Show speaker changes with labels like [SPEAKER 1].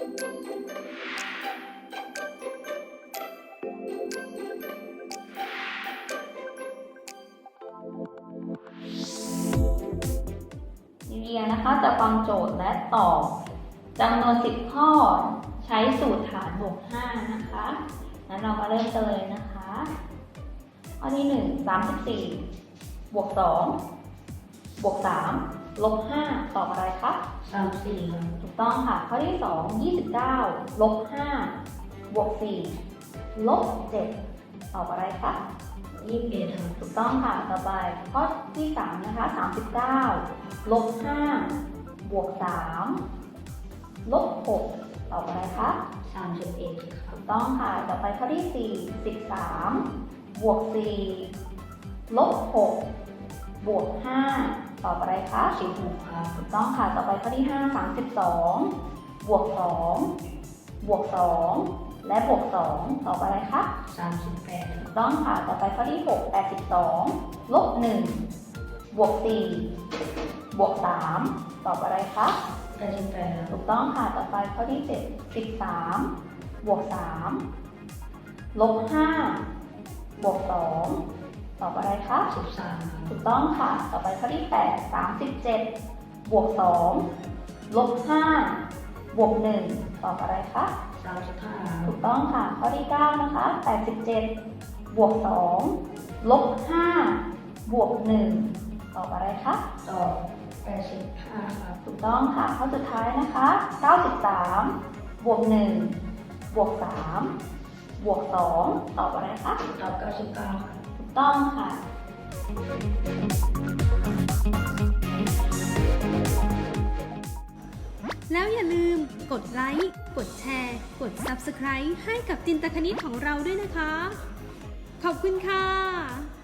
[SPEAKER 1] นิเดียนะคะจะฟังโจทย์และตอบจำนวน10ข้อใช้สูตรฐานบวก5นะคะงั้นเรามาเริ่มกันเลยนะคะข้อที่1 34บวก2บวก3ลบ5ตอบอะไรคะ
[SPEAKER 2] 34ครับ
[SPEAKER 1] ถูกต้องค่ะข้อที่2 29ลบ5บวก4ลบ7ตอบอะไรคะ
[SPEAKER 2] 21ครับ
[SPEAKER 1] ถูกต้องค่ะต่อไปข้อที่3นะคะ39ลบ5บวก3ลบ6ตอบอะไรคะ
[SPEAKER 2] 31ครับ
[SPEAKER 1] ถูกต้องค่ะต่อไปข้อที่4 13บวก4ลบ6บวก5ตอบอะไรคะ
[SPEAKER 2] 16ครับ
[SPEAKER 1] ถูกต้องค่ะต่อไปข้อที่5 32บวก2บวก2และบวก2ตอบอะไรคะ
[SPEAKER 2] 38
[SPEAKER 1] ถูกต้องค่ะต่อไปข้อที่6 82ลบ1บวก4บวก3ตอบอะไรคะ
[SPEAKER 2] 88
[SPEAKER 1] ถูกต้องค่ะต่อไปข้อที่7 13บวก3ลบ5บวก2ตอบอะไรคะ
[SPEAKER 2] 13
[SPEAKER 1] ถูกต้องค่ะต่อไปข้อที่8 37บวก2ลบ5บวก1ตอบอะไรคะ
[SPEAKER 2] 35
[SPEAKER 1] ถูกต้องค่ะข้อที่9นะคะ87บวก2ลบ5บวก1ตอบอะไรคะ
[SPEAKER 2] ตอบ85ครับ
[SPEAKER 1] ถูกต้องค่ะข้อสุดท้ายนะคะ93บวก1บวก3บวก2ตอบอะไรคะ
[SPEAKER 2] ตอบ99ครับ
[SPEAKER 1] ถูกต้องค่ะ
[SPEAKER 3] แล้วอย่าลืมกดไลค์กดแชร์กด Subscribe ให้กับจินตคณิตของเราด้วยนะคะขอบคุณค่ะ